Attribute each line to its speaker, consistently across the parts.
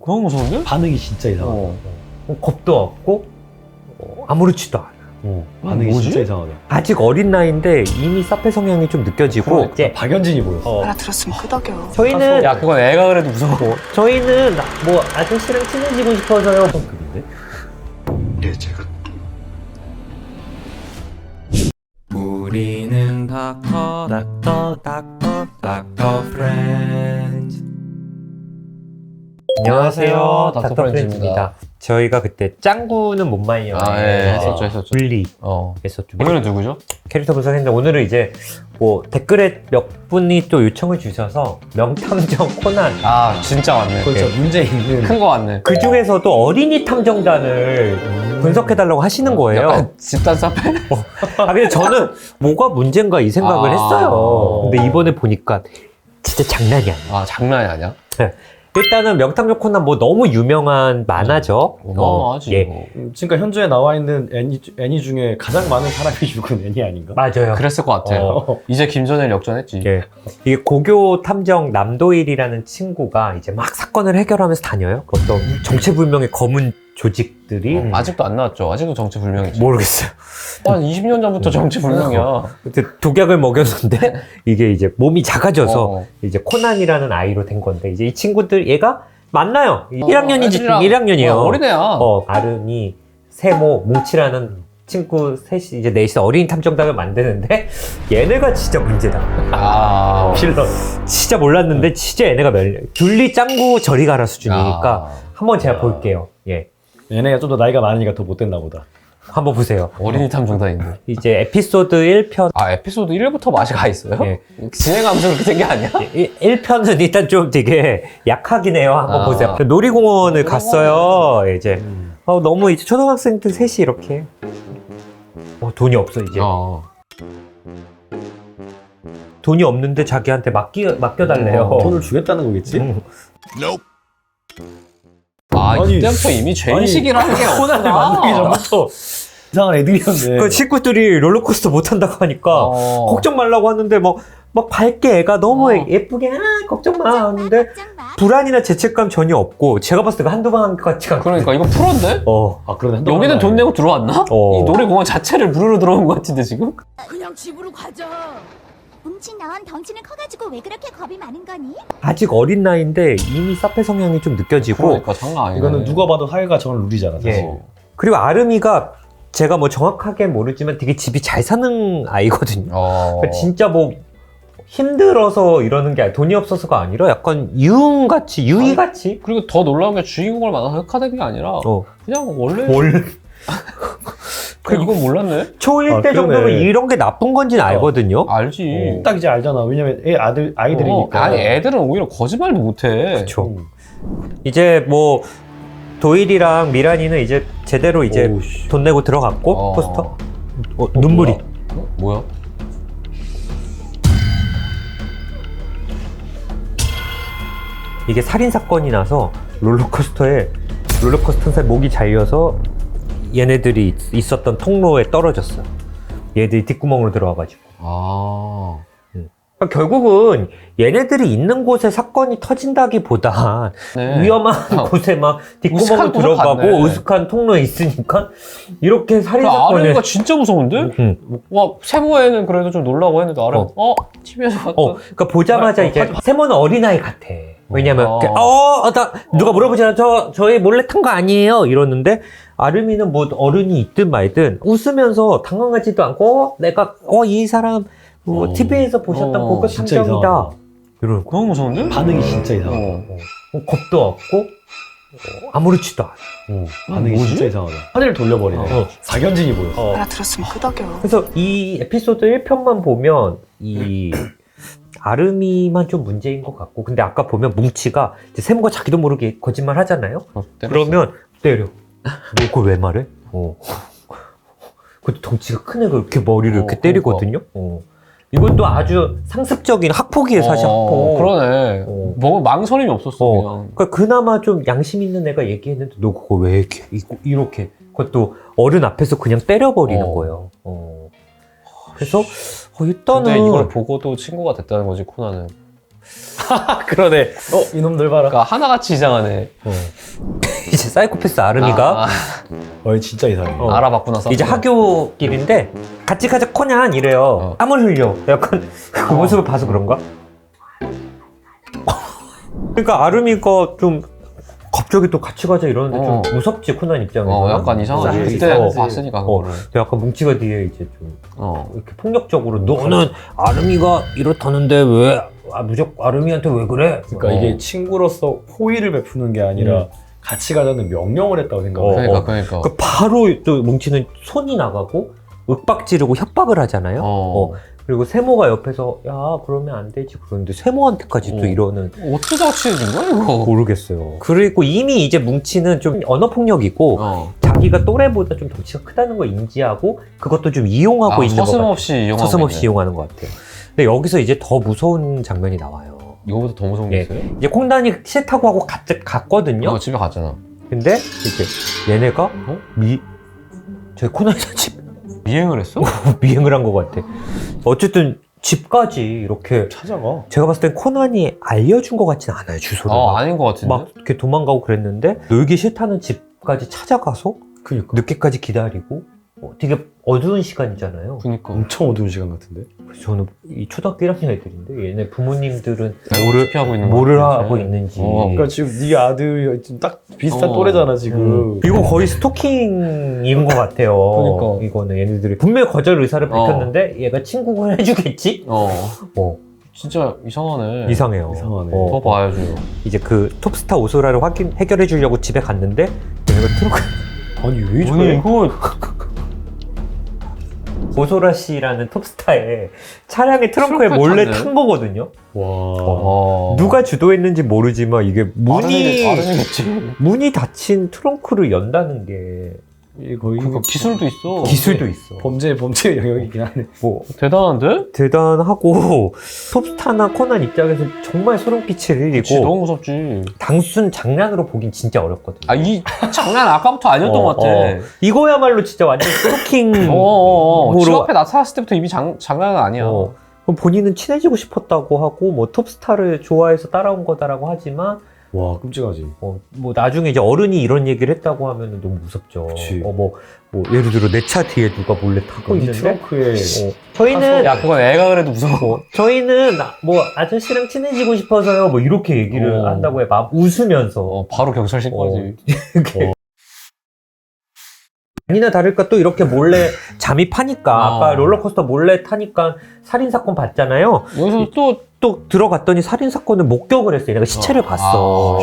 Speaker 1: 너무 무서운데?
Speaker 2: 반응이 진짜 이상하다.
Speaker 3: 겁도 없고 아무렇지도 않아.
Speaker 2: 반응이
Speaker 1: 뭐지?
Speaker 2: 진짜 이상하다.
Speaker 3: 아직 어린 나이인데 이미 사페 성향이 좀 느껴지고
Speaker 1: 그러니까.
Speaker 3: 이제
Speaker 2: 박연진이 보였어.
Speaker 4: 알아들었으면 끄덕여.
Speaker 3: 저희는
Speaker 1: 야 그건 애가 그래도 무서워.
Speaker 3: 저희는 뭐 아저씨랑 친해지고 싶어서요.
Speaker 2: 급인데?
Speaker 5: 예, 제가
Speaker 6: 우리는 닥터 프렌즈.
Speaker 3: 안녕하세요,
Speaker 1: 닥터
Speaker 3: 닥터
Speaker 1: 프렌즈입니다.
Speaker 3: 프렌즈입니다. 저희가 그때 짱구는 못 말려.
Speaker 1: 했었죠.
Speaker 3: 분리
Speaker 1: 어.
Speaker 3: 했었죠.
Speaker 1: 오늘은 누구죠?
Speaker 3: 캐릭터 분석했는데 오늘은 이제 뭐 댓글에 몇 분이 또 요청을 주셔서 명탐정 코난
Speaker 1: 아 진짜 왔네.
Speaker 2: 그건 진짜 문제 있는.
Speaker 1: 큰 거 왔네.
Speaker 3: 그 중에서도 어린이 탐정단을 분석해달라고 하시는 거예요.
Speaker 1: 약간 집단 사패?
Speaker 3: 아 근데 저는 뭐가 문제인가 이 생각을
Speaker 1: 아.
Speaker 3: 했어요. 근데 이번에 보니까 진짜 장난이 아니야.
Speaker 1: 아 장난이 아니야?
Speaker 3: 일단은 명탐정 코난 뭐 너무 유명한 만화죠.
Speaker 1: 어마어마하지.
Speaker 3: 예.
Speaker 1: 뭐.
Speaker 2: 지금까지 현주에 나와 있는 애니 중에 가장 많은 사람이 죽은 애니 아닌가?
Speaker 3: 맞아요.
Speaker 1: 그랬을 것 같아. 이제 김전일 역전했지.
Speaker 3: 예. 이게 고교 탐정 남도일이라는 친구가 이제 막 사건을 해결하면서 다녀요. 그 어떤 정체불명의 검은 조직들이
Speaker 1: 아직도 안 나왔죠. 아직도 정체불명이지.
Speaker 3: 모르겠어요.
Speaker 1: 한 20년 전부터 정체불명이야.
Speaker 3: 그때 독약을 먹였는데 이게 이제 몸이 작아져서
Speaker 1: 어.
Speaker 3: 이제 코난이라는 아이로 된 건데 이제 이 친구들 얘가 만나요. 1학년인지
Speaker 1: 애들이랑
Speaker 3: 1학년이에요.
Speaker 1: 어린애야.
Speaker 3: 아름이, 세모, 뭉치라는 친구 셋이 이제 넷이서 어린이 탐정단을 만드는데 얘네가 진짜 문제다.
Speaker 1: 아.
Speaker 3: 실러 진짜 몰랐는데 진짜 얘네가 귤리 짱구 저리 가라 수준이니까 한번 제가 볼게요. 예,
Speaker 2: 얘네가 좀 더 나이가 많으니까 더 못됐나 보다.
Speaker 3: 한번 보세요.
Speaker 1: 어린이 탐정단인데.
Speaker 3: 이제 에피소드 1편.
Speaker 1: 아 에피소드 1부터 맛이 가 있어요?
Speaker 3: 예.
Speaker 1: 진행하면서 그렇게 된 게 아니야?
Speaker 3: 1편은 일단 좀 되게 약하긴 해요. 한번
Speaker 1: 아.
Speaker 3: 보세요. 놀이공원을 갔어요. 이제 너무 이제 초등학생들 셋이 이렇게 돈이 없어 이제. 돈이 없는데 자기한테 맡겨달래요.
Speaker 2: 돈을 주겠다는 거겠지?
Speaker 1: 아
Speaker 2: 아니,
Speaker 1: 이때부터 이미 죄인식이라는 게
Speaker 2: 코난을
Speaker 1: 없구나.
Speaker 2: 만들기 전부터 이상한 애들이었네.
Speaker 3: 그 친구들이 롤러코스터 못 탄다고 하니까 걱정 말라고 하는데 막 밝게 애가 너무 예쁘게 걱정 마 하는데 불안이나 죄책감 전혀 없고 제가 봤을 때 한두 번 같이 간
Speaker 1: 그러니까 이거 프로인데?
Speaker 2: 아, 그러네.
Speaker 1: 여기는 돈 내고 들어왔나? 이 놀이공원 자체를 무료로 들어온 것 같은데 지금?
Speaker 4: 그냥 집으로 가자.
Speaker 7: 뭉친 넌 덩치는 커가지고 왜 그렇게 겁이 많은 거니?
Speaker 3: 아직 어린 나이인데 이미 사페 성향이 좀 느껴지고
Speaker 1: 그러니까 장난 아니네.
Speaker 2: 이거는 누가 봐도 하이가 정한 룰이잖아. 사실.
Speaker 3: 예. 그리고 아름이가 제가 뭐 정확하게 모르지만 되게 집이 잘 사는 아이거든요. 그러니까 진짜 뭐 힘들어서 이러는 게 돈이 없어서가 아니라 약간 유흥같이 유희같이
Speaker 1: 그리고 더 놀라운 게 주인공을 만나서 흑화된 게 아니라 그냥 원래 이건 몰랐네?
Speaker 3: 초1 때 정도면 이런 게 나쁜 건지는 알거든요.
Speaker 1: 알지.
Speaker 2: 딱 이제 알잖아. 왜냐면 아이들이니까.
Speaker 1: 아니 애들은 오히려 거짓말도 못해.
Speaker 3: 그렇죠. 이제 뭐 도일이랑 미란이는 이제 제대로 이제 돈 내고 들어갔고 포스터 눈물이
Speaker 1: 뭐야?
Speaker 3: 이게 살인 사건이 나서 롤러코스터 튼살 목이 잘려서 얘네들이 있었던 통로에 떨어졌어. 얘들이 뒷구멍으로 들어와가지고. 그러니까 결국은 얘네들이 있는 곳에 사건이 터진다기보다 위험한 곳에 막 뒷구멍으로 들어가고 으슥한 통로에 있으니까 이렇게 살인 사건을.
Speaker 1: 아름이가 진짜 무서운데? 와 세모에는 그래도 좀 놀라고 했는데 아름 TV에서 봤다.
Speaker 3: 그러니까 보자마자 이제 세모는 어린아이 같아. 왜냐면 누가 물어보잖아. 저희 몰래 탄 거 아니에요 이러는데 아름이는 뭐 어른이 있든 말든 웃으면서 당황하지도 않고 내가 이 사람 뭐 TV에서 보셨던 고급 탐정이다. 이런
Speaker 1: 너무 무서운데?
Speaker 2: 반응이 진짜 이상하다.
Speaker 3: 겁도 없고 아무렇지도 않아.
Speaker 2: 반응이 진짜 이상하다. 하늘을 돌려버리네. 박연진이 보였어.
Speaker 4: 알아들었으면 끄덕여.
Speaker 3: 그래서 이 에피소드 1편만 보면 이 아름이만 좀 문제인 것 같고, 근데 아까 보면 뭉치가 이제 세모가 자기도 모르게 거짓말 하잖아요. 그러면 때려. 너 그걸 왜 말해? 그것도 덩치가 큰 애가 이렇게 머리를 이렇게 때리거든요. 이것도 아주 상습적인 학폭이에요, 사실 학폭.
Speaker 1: 그러네. 뭐 망설임이 없었어. 그냥.
Speaker 3: 그러니까 그나마 좀 양심 있는 애가 얘기했는데 너 그거 왜 이렇게 그것도 어른 앞에서 그냥 때려버리는 거예요. 그래서 일단은
Speaker 1: 근데 이걸 보고도 친구가 됐다는 거지 코난은.
Speaker 2: 그러네. 이놈들 봐라.
Speaker 1: 그러니까 하나같이 이상하네.
Speaker 3: 이제 사이코패스 아름이가
Speaker 2: 진짜 이상해.
Speaker 1: 알아봤구나.
Speaker 3: 이제 학교길인데 같이 가자 코난 이래요. 땀을 흘려. 약간 그 모습을 봐서 그런가? 그러니까 아름이가 좀 갑자기 또 같이 가자 이러는데 좀 무섭지 코난 입장에서.
Speaker 1: 약간 이상하지. 그때 봤으니까 그거를.
Speaker 3: 약간 뭉치가 뒤에 이제 좀 이렇게 폭력적으로 너는 아름이가 이렇다는데 왜 무조건 아름이한테 왜 그래?
Speaker 2: 그러니까 이게 친구로서 호의를 베푸는 게 아니라 같이 가자는 명령을 했다고 생각해.
Speaker 1: 그러니까.
Speaker 3: 그 바로 또 뭉치는 손이 나가고 윽박 지르고 협박을 하잖아요. 그리고 세모가 옆에서 야 그러면 안 되지 그러는데 세모한테까지 또 이러는
Speaker 1: 어쩌다가 치는 거야 이거?
Speaker 3: 모르겠어요. 그리고 이미 이제 뭉치는 좀 언어 폭력이고 자기가 또래보다 좀 덩치가 크다는 걸 인지하고 그것도 좀 이용하고 있는 것 같아요. 서슴없이 이용하는 것 같아요. 근데 여기서 이제 더 무서운 장면이 나와요.
Speaker 1: 이거보다 더 무서운 게 있어요?
Speaker 3: 이제 콩단이 싫다고 하고 갔거든요.
Speaker 1: 집에 갔잖아.
Speaker 3: 근데 이제 얘네가 저희 코난에서 집
Speaker 1: 미행을 했어?
Speaker 3: 미행을 한 것 같아. 어쨌든 집까지 이렇게
Speaker 2: 찾아가.
Speaker 3: 제가 봤을 땐 코난이 알려준 것 같진 않아요, 주소를.
Speaker 1: 아닌 것 같은데?
Speaker 3: 막 이렇게 도망가고 그랬는데 놀기 싫다는 집까지 찾아가서
Speaker 2: 그니까.
Speaker 3: 늦게까지 기다리고 되게 어두운 시간이잖아요.
Speaker 1: 그니까.
Speaker 2: 엄청 어두운 시간 같은데.
Speaker 3: 그래서 저는 이 초등학교 1학년 애들인데 얘네 부모님들은
Speaker 1: 뭐를
Speaker 3: 하고 있는지.
Speaker 2: 그러니까 지금 네 아들이 지금 딱 비슷한 또래잖아 지금.
Speaker 3: 이거 거의 스토킹인 것 같아요.
Speaker 1: 그러니까.
Speaker 3: 이거는 얘네들이 분명히 거절 의사를 밝혔는데 얘가 친구가 해주겠지?
Speaker 1: 진짜 이상하네.
Speaker 3: 이상해요.
Speaker 2: 이상하네.
Speaker 1: 더 봐야죠.
Speaker 3: 이제 그 톱스타 오소라를 해결해 주려고 집에 갔는데 얘가 트렁크
Speaker 2: 아니 왜 저래?
Speaker 1: 이거
Speaker 3: 오소라 씨라는 톱스타의 차량의 트렁크에
Speaker 1: 트렁크에
Speaker 3: 몰래
Speaker 1: 탔네.
Speaker 3: 탄 거거든요.
Speaker 2: 와.
Speaker 3: 누가 주도했는지 모르지만 이게
Speaker 1: 아름이겠지.
Speaker 3: 문이 닫힌 트렁크를 연다는 게
Speaker 2: 이게 거의
Speaker 1: 그러니까 기술도 있어.
Speaker 3: 기술도 있어.
Speaker 2: 범죄 영역이긴 하네.
Speaker 3: 뭐
Speaker 1: 대단한데?
Speaker 3: 대단하고 톱스타나 코난 입장에서 정말 소름 끼칠
Speaker 1: 그치,
Speaker 3: 일이고
Speaker 1: 너무 무섭지.
Speaker 3: 단순 장난으로 보긴 진짜 어렵거든요.
Speaker 1: 이 장난 아까부터 아니었던 것 같아.
Speaker 3: 이거야말로 진짜 완전 스토킹.
Speaker 1: 집 앞에 나타났을 때부터 이미 장난은 아니야.
Speaker 3: 그럼 본인은 친해지고 싶었다고 하고 뭐 톱스타를 좋아해서 따라온 거다라고 하지만
Speaker 2: 와 끔찍하지.
Speaker 3: 뭐 나중에 이제 어른이 이런 얘기를 했다고 하면 너무 무섭죠.
Speaker 2: 그치.
Speaker 3: 뭐 예를 들어 내 차 뒤에 누가 몰래 타고
Speaker 2: 이
Speaker 3: 있는데
Speaker 2: 트렁크에
Speaker 3: 저희는
Speaker 1: 야 그건 애가 그래도 무서워.
Speaker 3: 저희는 뭐 아저씨랑 친해지고 싶어서요. 뭐 이렇게 얘기를 한다고 해. 막 웃으면서
Speaker 1: 바로 경찰 신고하지.
Speaker 3: 아니나 다를까 또 이렇게 몰래 잠입하니까 아까 롤러코스터 몰래 타니까 살인사건 봤잖아요.
Speaker 1: 여기서
Speaker 3: 또 들어갔더니 살인사건을 목격을 했어요. 내가 시체를 봤어.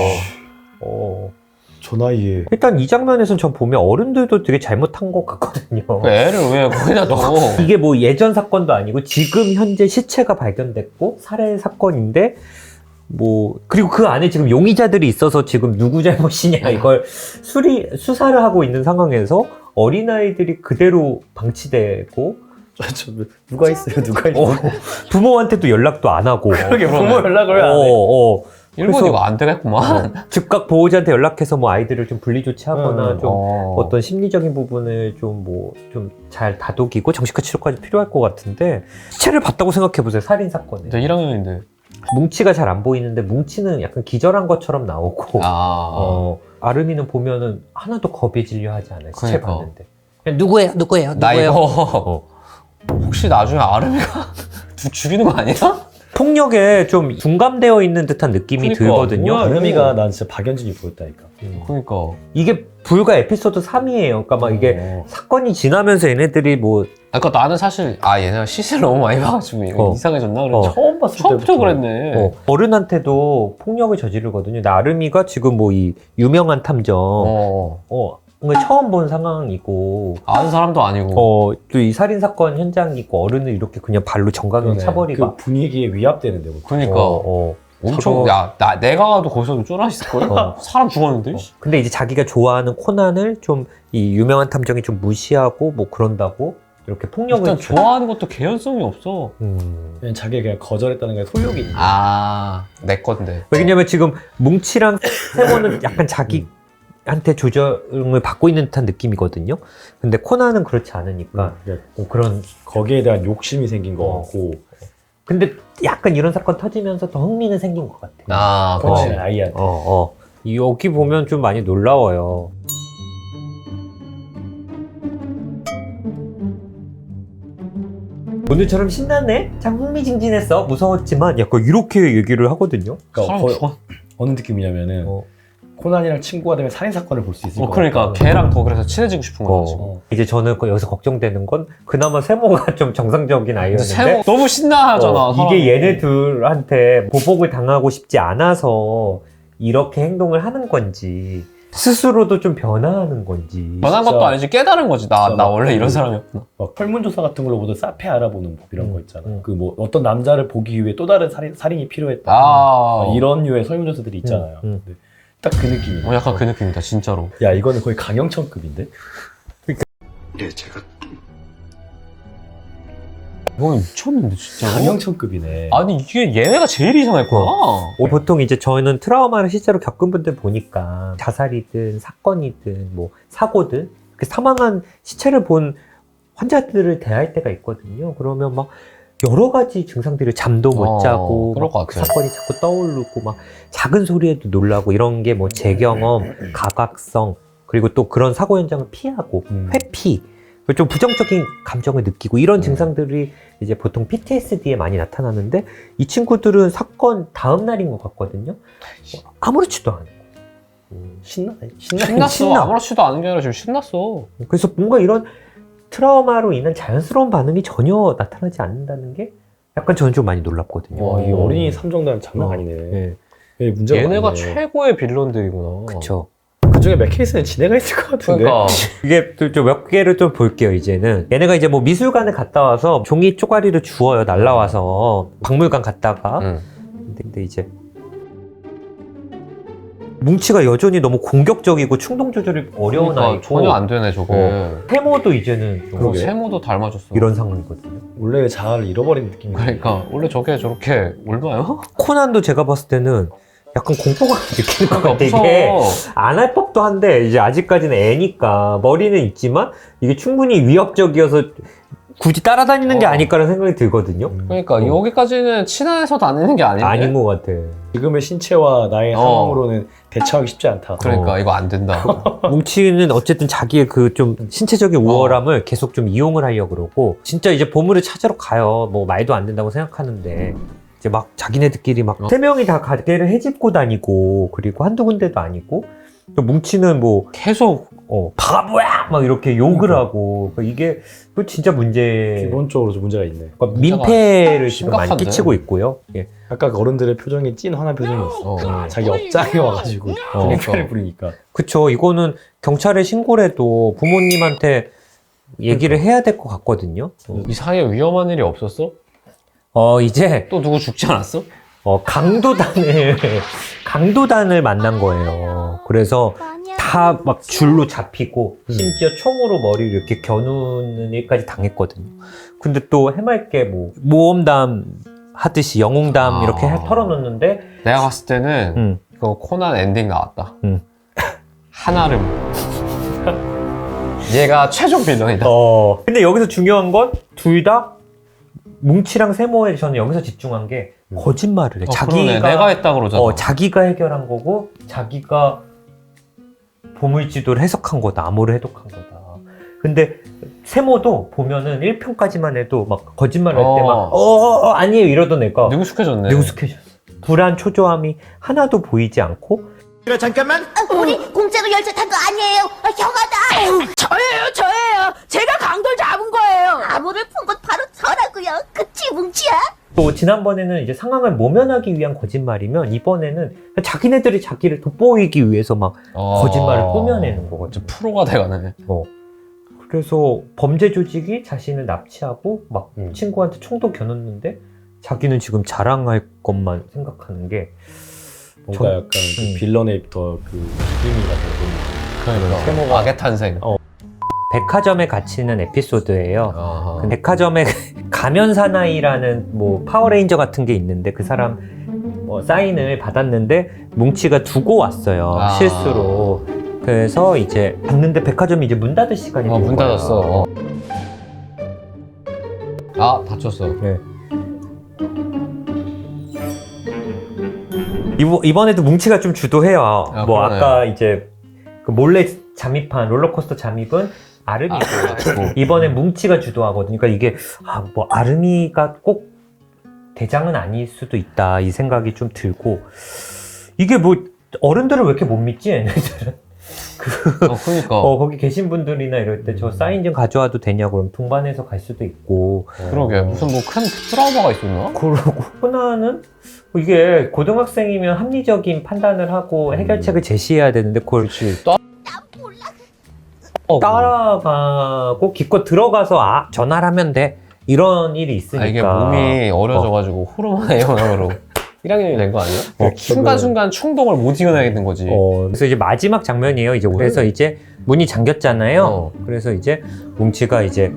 Speaker 2: 저 나이에.
Speaker 3: 일단 이 장면에서는 전 보면 어른들도 되게 잘못한 것 같거든요.
Speaker 1: 그 애를 왜 거기다 둬?
Speaker 3: 이게 뭐 예전 사건도 아니고 지금 현재 시체가 발견됐고 살해 사건인데 뭐 그리고 그 안에 지금 용의자들이 있어서 지금 누구 잘못이냐 이걸 수사를 하고 있는 상황에서 어린아이들이 그대로 방치되고
Speaker 2: 누가 있어요?
Speaker 3: 부모한테도 연락도 안 하고
Speaker 2: 그러게 부모 연락을 왜 안 해?
Speaker 1: 일본
Speaker 3: 그래서-
Speaker 1: 이거 안 되겠구만.
Speaker 3: 즉각 보호자한테 연락해서 뭐 아이들을 좀 분리 조치하거나 좀
Speaker 1: 어.
Speaker 3: 어떤 심리적인 부분을 좀 잘 다독이고 정신과 치료까지 필요할 것 같은데 시체를 봤다고 생각해 보세요. 살인 사건에
Speaker 1: 근데 1학년인데.
Speaker 3: 뭉치가 잘 안 보이는데 뭉치는 약간 기절한 것처럼 나오고 아름이는 보면은 하나도 겁에 질려 하지 않아요. 시체
Speaker 1: 그러니까.
Speaker 3: 봤는데 그냥 누구예요?
Speaker 1: 나 이거 혹시 나중에 아름이가 죽이는 거 아니야?
Speaker 3: 폭력에 좀 둔감되어 있는 듯한 느낌이
Speaker 1: 그러니까,
Speaker 3: 들거든요.
Speaker 1: 뭐야,
Speaker 2: 아름이가 난 진짜 박연진이 보였다니까.
Speaker 1: 그러니까.
Speaker 3: 이게 불과 에피소드 3이에요. 그러니까 막 이게 사건이 지나면서 얘네들이 뭐
Speaker 1: 그러니까 나는 사실 얘네가 시세를 너무 많이 봐가지고 이상해졌나 그래.
Speaker 2: 처음 봤을
Speaker 1: 처음부터
Speaker 2: 때부터
Speaker 1: 그랬네.
Speaker 3: 어른한테도 폭력을 저지르거든요. 나름이가 지금 뭐 이 유명한 탐정 뭔가 처음 본 상황이고
Speaker 1: 아는 사람도 아니고.
Speaker 3: 또 이 살인 사건 현장이 있고 어른을 이렇게 그냥 발로 정강경 차버리고
Speaker 2: 그 분위기에 위압되는데.
Speaker 1: 그러니까 엄청
Speaker 3: 저거-
Speaker 1: 내가 가도 거기서 쫄아있을 거야. 사람 죽었는데.
Speaker 3: 근데 이제 자기가 좋아하는 코난을 좀 이 유명한 탐정이 좀 무시하고 뭐 그런다고 이렇게 폭력을
Speaker 1: 일단 좋아하는 것도 개연성이 없어.
Speaker 2: 그냥 자기가 그냥 거절했다는 게 소욕이 있는.
Speaker 1: 내 건데.
Speaker 3: 왜냐면 지금 뭉치랑 세모는 약간 자기한테 조정을 받고 있는 듯한 느낌이거든요. 근데 코난은 그렇지 않으니까
Speaker 2: 그러니까
Speaker 3: 그런
Speaker 2: 거기에 대한 욕심이 생긴 것 같고
Speaker 3: 근데 약간 이런 사건 터지면서 더 흥미는 생긴 것 같아.
Speaker 1: 아,
Speaker 2: 그렇지
Speaker 1: 그렇지.
Speaker 2: 아이한테.
Speaker 3: 여기 보면 좀 많이 놀라워요. 오늘처럼 신났네? 참 흥미진진했어. 무서웠지만 약간 이렇게 얘기를 하거든요.
Speaker 2: 그러니까
Speaker 1: 사람 죽어.
Speaker 2: 어느 느낌이냐면은 코난이랑 친구가 되면 살인 사건을 볼 수 있을 것
Speaker 1: 그러니까
Speaker 2: 같아.
Speaker 1: 걔랑 더 그래서 친해지고 싶은 거야. 지금.
Speaker 3: 이제 저는 여기서 걱정되는 건 그나마 세모가 좀 정상적인
Speaker 1: 근데
Speaker 3: 아이였는데
Speaker 1: 세모 너무 신나하잖아. 사람이.
Speaker 3: 이게 얘네 둘한테 보복을 당하고 싶지 않아서 이렇게 행동을 하는 건지 스스로도 좀 변화하는 건지
Speaker 1: 변한 것도
Speaker 2: 진짜-
Speaker 1: 아니지 깨달은 거지. 나
Speaker 2: 진짜 막
Speaker 1: 원래 이런
Speaker 2: 그-
Speaker 1: 사람이었구나.
Speaker 2: 막 설문조사 같은 걸로 모두 사페 알아보는 법 이런 거 있잖아.
Speaker 3: 음.
Speaker 2: 그 뭐 어떤 남자를 보기 위해 또 다른 살인이 필요했다.
Speaker 1: 아,
Speaker 2: 이런 류의 설문조사들이 있잖아요.
Speaker 3: 음.
Speaker 2: 근데 딱 그 느낌이야.
Speaker 1: 약간 그 느낌이다 진짜로.
Speaker 2: 야 이거는 거의 강영천급인데?
Speaker 5: 네, 제가
Speaker 1: 이거 미쳤는데 진짜.
Speaker 2: 강영천급이네.
Speaker 1: 아니 이게 얘네가 제일 이상했구나.
Speaker 3: 보통 이제 저희는 트라우마를 실제로 겪은 분들 보니까 자살이든 사건이든 뭐 사고든 그 사망한 시체를 본 환자들을 대할 때가 있거든요. 그러면 막 여러 가지 증상들이 잠도 못 자고
Speaker 1: 그럴 것
Speaker 3: 막그
Speaker 1: 같아요.
Speaker 3: 사건이 자꾸 떠오르고 막 작은 소리에도 놀라고 이런 게 뭐 재경험, 가각성 그리고 또 그런 사고 현장을 피하고 회피 좀 부정적인 감정을 느끼고 이런 증상들이 이제 보통 PTSD에 많이 나타나는데 이 친구들은 사건 다음 날인 것 같거든요. 아무렇지도 않고
Speaker 1: 신났어.
Speaker 3: 신나.
Speaker 1: 아무렇지도 않은 게 아니라 지금 신났어.
Speaker 3: 그래서 뭔가 이런 트라우마로 인한 자연스러운 반응이 전혀 나타나지 않는다는 게 약간 저는 좀 많이 놀랍거든요.
Speaker 2: 와, 이 어린이 3정도는 장난 아니네.
Speaker 3: 네.
Speaker 2: 얘 문제가
Speaker 1: 얘네가
Speaker 2: 많네.
Speaker 1: 최고의 빌런들이구나.
Speaker 3: 그쵸.
Speaker 2: 그 중에 맥케이스는 지네가 있을 것 같은데.
Speaker 1: 그러니까
Speaker 3: 이게 좀 몇 개를 좀 볼게요, 이제는. 얘네가 이제 뭐 미술관에 갔다 와서 종이 쪼가리를 주워요, 날라와서. 박물관 갔다가. 근데 이제 뭉치가 여전히 너무 공격적이고 충동 조절이 어려운
Speaker 1: 그러니까
Speaker 3: 아이고
Speaker 1: 전혀 안 되네 저게.
Speaker 3: 세모도 이제는 좀
Speaker 2: 그러게.
Speaker 1: 세모도 닮아졌어.
Speaker 3: 이런 상황이거든요.
Speaker 2: 원래의 자아를 잃어버린 느낌이.
Speaker 1: 그러니까 원래 저게 저렇게 올바요?
Speaker 3: 코난도 제가 봤을 때는 약간 공포감 느끼는 것 같아.
Speaker 1: 무서워.
Speaker 3: 이게 안 할 법도 한데 이제 아직까지는 애니까 머리는 있지만 이게 충분히 위협적이어서 굳이 따라다니는 게 아닐까라는 생각이 들거든요.
Speaker 1: 그러니까 여기까지는 친해서 다니는 게 아닌데.
Speaker 3: 아닌 것 같아.
Speaker 2: 지금의 신체와 나의 상황으로는 대처하기 쉽지 않다.
Speaker 1: 그러니까 이거 안 된다.
Speaker 3: 뭉치는 어쨌든 자기의 그 좀 신체적인 우월함을 계속 좀 이용을 하려고 그러고 진짜 이제 보물을 찾으러 가요. 뭐 말도 안 된다고 생각하는데 이제 막 자기네들끼리 막 세 명이 다 가게를 헤집고 다니고 그리고 한두 군데도 아니고 또 뭉치는 뭐
Speaker 1: 계속
Speaker 3: 바보야 막 이렇게 욕을 하고 그러니까 이게 그 진짜 문제
Speaker 2: 기본적으로 좀 문제가 있네.
Speaker 3: 그러니까 민폐를 지금 많이
Speaker 1: 심각한데?
Speaker 3: 끼치고 있고요. 예.
Speaker 2: 아까 그 어른들의 표정이 찐 화난 표정이었어. 자기 업장에 와가지고 민폐를 부리니까.
Speaker 3: 그쵸. 이거는 경찰에 신고를 해도 부모님한테 얘기를 해야 될 것 같거든요.
Speaker 1: 이 사이에 위험한 일이 없었어?
Speaker 3: 이제
Speaker 1: 또 누구 죽지 않았어?
Speaker 3: 강도단을 만난 거예요. 그래서 다 막 줄로 잡히고 심지어 총으로 머리를 이렇게 겨누는 일까지 당했거든요. 근데 또 해맑게 뭐 모험담 하듯이 영웅담 이렇게 털어놓는데
Speaker 1: 내가 봤을 때는 이거 코난 엔딩 나왔다. 한아름. 얘가 최종 빌런이다.
Speaker 3: 근데 여기서 중요한 건 둘 다 뭉치랑 세모에 저는 여기서 집중한 게 거짓말을 해.
Speaker 1: 그러네. 내가 했다 그러잖아.
Speaker 3: 자기가 해결한 거고 자기가 보물지도를 해석한 거다. 암호를 해독한 거다. 근데 세모도 보면은 1편까지만 해도 막 거짓말 할 때 막 아니에요 이러던 애가
Speaker 1: 능숙해졌네.
Speaker 3: 능숙해졌어. 불안 초조함이 하나도 보이지 않고
Speaker 7: 우리 공짜로 열차 탄 거 아니에요. 형아다. 저예요. 제가 강도를 잡은 거예요. 암호를 푼 건 바로 저라고요. 그치 뭉치야?
Speaker 3: 또 지난번에는 이제 상황을 모면하기 위한 거짓말이면 이번에는 자기네들이 자기를 돋보이기 위해서 막 거짓말을 꾸며내는 거거든요.
Speaker 1: 프로가 돼가네.
Speaker 3: 그래서 범죄 조직이 자신을 납치하고 막 친구한테 총도 겨눴는데 자기는 지금 자랑할 것만 생각하는 게
Speaker 2: 뭔가 약간 그 빌런의 더그 기름이가 되는.
Speaker 1: 그러니까.
Speaker 2: 세모가
Speaker 1: 악의 탄생.
Speaker 3: 백화점에 갇히는 에피소드예요.
Speaker 1: 아하.
Speaker 3: 그 백화점에 가면 사나이라는 뭐 파워레인저 같은 게 있는데 그 사람 사인을 받았는데 뭉치가 두고 왔어요. 실수로. 그래서 이제 갔는데 백화점이 이제 문 닫을 시간이 된
Speaker 1: 문
Speaker 3: 거야.
Speaker 1: 닫았어. 다쳤어.
Speaker 3: 네. 이번에도 뭉치가 좀 주도해요.
Speaker 1: 아,
Speaker 3: 뭐
Speaker 1: 그러네.
Speaker 3: 아까 이제 그 몰래 잠입한 롤러코스터 잠입은 아름이고 이번에 뭉치가 주도하거든요. 그러니까 이게 뭐 아름이가 꼭 대장은 아닐 수도 있다 이 생각이 좀 들고 이게 뭐 어른들을 왜 이렇게 못 믿지 얘네들은
Speaker 1: 그러니까.
Speaker 3: 거기 계신 분들이나 이럴 때 저 사인 좀 가져와도 되냐고 그럼 동반해서 갈 수도 있고
Speaker 1: 그러게 무슨 뭐 큰 트라우마가 있었나?
Speaker 3: 그러고 호나는 이게 고등학생이면 합리적인 판단을 하고 해결책을 제시해야 되는데 그걸
Speaker 1: 그렇지.
Speaker 3: 따라가고 기껏 들어가서 전화를 하면 돼 이런 일이 있으니까
Speaker 1: 이게 몸이 어려져가지고 호르몬의 영향으로 1학년이 된 거 아니야? 순간순간 충동을 못 이겨내게 된 거지.
Speaker 3: 그래서 이제 마지막 장면이에요. 이제 그래서 이제 문이 잠겼잖아요. 그래서 이제 뭉치가 이제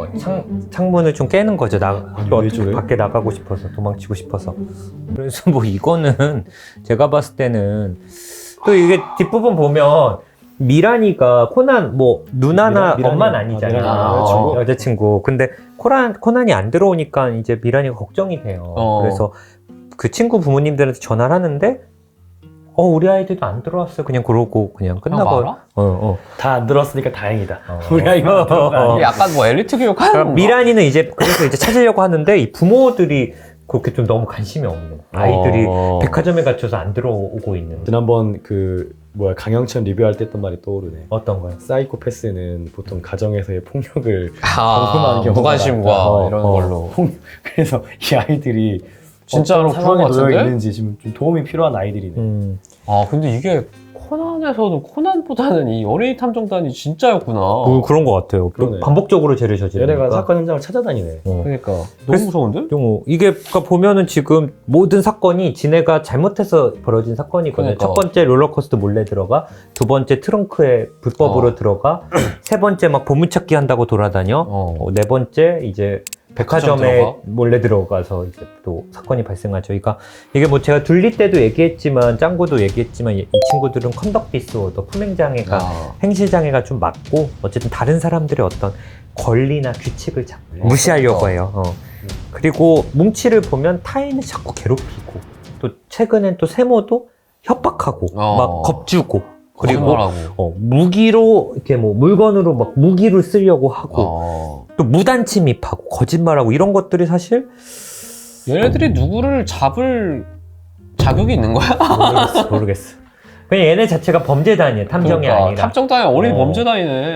Speaker 3: 창문을 좀 깨는 거죠. 어떻게 밖에 나가고 싶어서 도망치고 싶어서. 그래서 뭐 이거는 제가 봤을 때는 또 이게 뒷부분 보면 미란이가 코난 뭐 누나나 엄마는 아니잖아요. 여자친구. 근데 코난이 안 들어오니까 이제 미란이가 걱정이 돼요. 그래서 그 친구 부모님들한테 전화를 하는데 우리 아이들도 안 들어왔어요. 그냥 그러고 그냥 끝나버려.
Speaker 2: 다 안 들었으니까 다행이다. 우리 아이가
Speaker 1: 이게 약간 뭐 엘리트 교육하는 건가?
Speaker 3: 미란이는 그래서 이제 찾으려고 하는데 이 부모들이 그렇게 좀 너무 관심이 없는 아이들이 백화점에 갇혀서 안 들어오고 있는.
Speaker 2: 지난번 강영천 리뷰할 때 했던 말이 떠오르네.
Speaker 3: 어떤 거요?
Speaker 2: 사이코패스는 보통 가정에서의 폭력을 경험하는 경우가
Speaker 1: 무관심과
Speaker 2: 많다.
Speaker 1: 이런 걸로.
Speaker 2: 그래서 이 아이들이
Speaker 1: 진짜로
Speaker 2: 어떤 상황에
Speaker 1: 그런 것
Speaker 2: 놓여
Speaker 1: 같은데?
Speaker 2: 있는지 지금 좀 도움이 필요한 아이들이네.
Speaker 1: 근데 이게 코난에서는 코난보다는 이 어린이 탐정단이 진짜였구나.
Speaker 3: 그런 것 같아요.
Speaker 2: 그러네.
Speaker 3: 반복적으로 죄를 저지르니까.
Speaker 2: 얘네가 사건 현장을 찾아다니네.
Speaker 1: 그러니까 너무
Speaker 3: 그래서-
Speaker 1: 무서운데?
Speaker 3: 이게 그러니까 보면은 지금 모든 사건이 지네가 잘못해서 벌어진 사건이거든요.
Speaker 1: 그러니까.
Speaker 3: 첫 번째 롤러코스터 몰래 들어가, 두 번째 트렁크에 불법으로 들어가, 세 번째 막 보물찾기 한다고 돌아다녀, 네 번째 이제 백화점에
Speaker 1: 들어가?
Speaker 3: 몰래 들어가서 이제 또 사건이 발생하죠. 그러니까 이게 뭐 제가 둘리 때도 얘기했지만 짱구도 얘기했지만 이 친구들은 컨덕 디스오더 품행장애가 행실장애가 좀 맞고 어쨌든 다른 사람들의 어떤 권리나 규칙을 자꾸 무시하려고 해요. 그리고 뭉치를 보면 타인을 자꾸 괴롭히고 또 최근엔 또 세모도 협박하고 막 겁주고 그리고
Speaker 1: 거짓말하고.
Speaker 3: 무기로 이렇게 뭐 물건으로 막 무기를 쓰려고 하고 또 무단 침입하고 거짓말하고 이런 것들이 사실
Speaker 1: 얘네들이 누구를 잡을 자격이 있는 거야?
Speaker 3: 모르겠어. 그냥 얘네 자체가 범죄단이에요. 탐정이 아니라.
Speaker 1: 탐정단이 어린이 범죄단이네.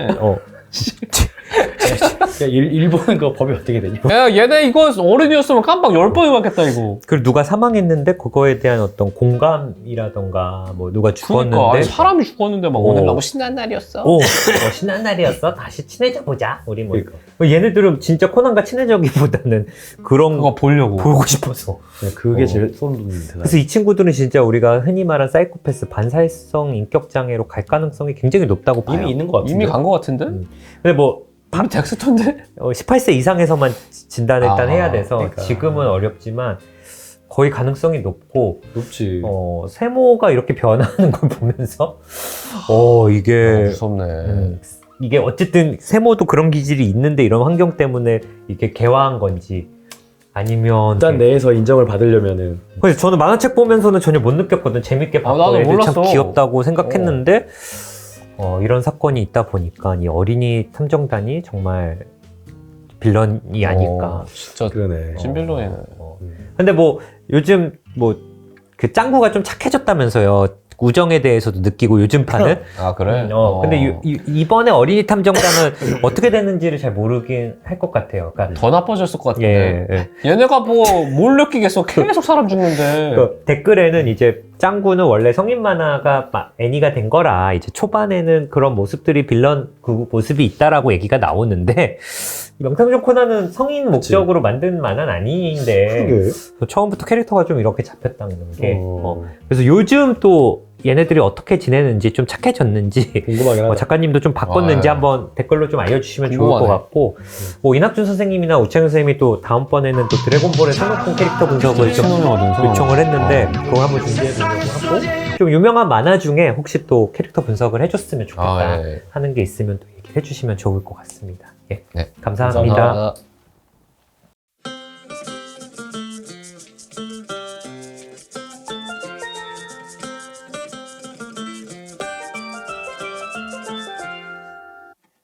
Speaker 2: 일본은 그 법이 어떻게 되냐?
Speaker 1: 야, 얘네 이거 어른이었으면 깜빡 10번이 맞겠다, 이거.
Speaker 3: 그리고 누가 사망했는데 그거에 대한 어떤 공감이라던가 뭐 누가 죽었는데
Speaker 1: 그러니까 아니, 사람이 죽었는데 막 오늘 너무 신난 날이었어.
Speaker 3: 신난 날이었어. 다시 친해져 보자. 우리 뭐
Speaker 2: 그러니까.
Speaker 3: 얘네들은 진짜 코난과 친해지기보다는 그런
Speaker 1: 그거 보려고.
Speaker 3: 보고 싶어서.
Speaker 2: 그게 제일 소름 돋는 대단.
Speaker 3: 그래서 이 친구들은 진짜 우리가 흔히 말한 사이코패스 반사회성 인격 장애로 갈 가능성이 굉장히 높다고 봐요.
Speaker 2: 이미 있는 것 같은데.
Speaker 1: 이미 간 거 같은데?
Speaker 3: 근데 뭐
Speaker 1: 이미 덱스터인데?
Speaker 3: 18세 이상에서만 진단을 일단 해야 돼서
Speaker 2: 그러니까.
Speaker 3: 지금은 어렵지만 거의 가능성이 높고
Speaker 2: 높지.
Speaker 3: 세모가 이렇게 변하는 걸 보면서 이게
Speaker 1: 무섭네.
Speaker 3: 이게 어쨌든 세모도 그런 기질이 있는데 이런 환경 때문에 이게 개화한 건지 아니면
Speaker 2: 일단 내에서 인정을 받으려면은
Speaker 3: 그래서 저는 만화책 보면서는 전혀 못 느꼈거든. 재밌게 봤고
Speaker 1: 나도
Speaker 3: 애들 참
Speaker 1: 몰랐어.
Speaker 3: 귀엽다고 생각했는데 이런 사건이 있다 보니까 이 어린이 탐정단이 정말 빌런이 아닐까.
Speaker 1: 진짜
Speaker 2: 그러네.
Speaker 1: 찐빌런이네.
Speaker 3: 근데 뭐 요즘 뭐 그 짱구가 좀 착해졌다면서요. 우정에 대해서도 느끼고 요즘 판은.
Speaker 1: 아, 그래?
Speaker 3: 근데 이번에 어린이 탐정단은 어떻게 됐는지를 잘 모르긴 할 것 같아요. 그러니까
Speaker 1: 더 나빠졌을 것 같은데.
Speaker 3: 예.
Speaker 1: 얘네가 뭐 뭘 느끼겠어. 계속 사람 죽는데.
Speaker 3: 그 댓글에는 이제 짱구는 원래 성인 만화가 애니가 된 거라 이제 초반에는 그런 모습들이 빌런 그 모습이 있다라고 얘기가 나오는데 명탐정 코난은 성인 목적으로 만든 만화는 아닌데 처음부터 캐릭터가 좀 이렇게 잡혔다는 게 그래서 요즘 또 얘네들이 어떻게 지내는지 좀 착해졌는지
Speaker 2: 궁금하긴 하다.
Speaker 3: 작가님도 좀 바꿨는지 한번 댓글로 좀 알려주시면 좋을
Speaker 1: 궁금하네.
Speaker 3: 것 같고 뭐 이낙준 선생님이나 우창현 선생님이 또 다음번에는 또 드래곤볼의 손오공 캐릭터 분석을 좀 요청을 했는데 그걸 한번 준비해보려고 하고 좀 유명한 만화 중에 혹시 또 캐릭터 분석을 해줬으면 좋겠다
Speaker 1: 예.
Speaker 3: 하는 게 있으면 또 얘기해 주시면 좋을 것 같습니다. 예.
Speaker 1: 네.
Speaker 3: 감사합니다.
Speaker 1: 감사합니다.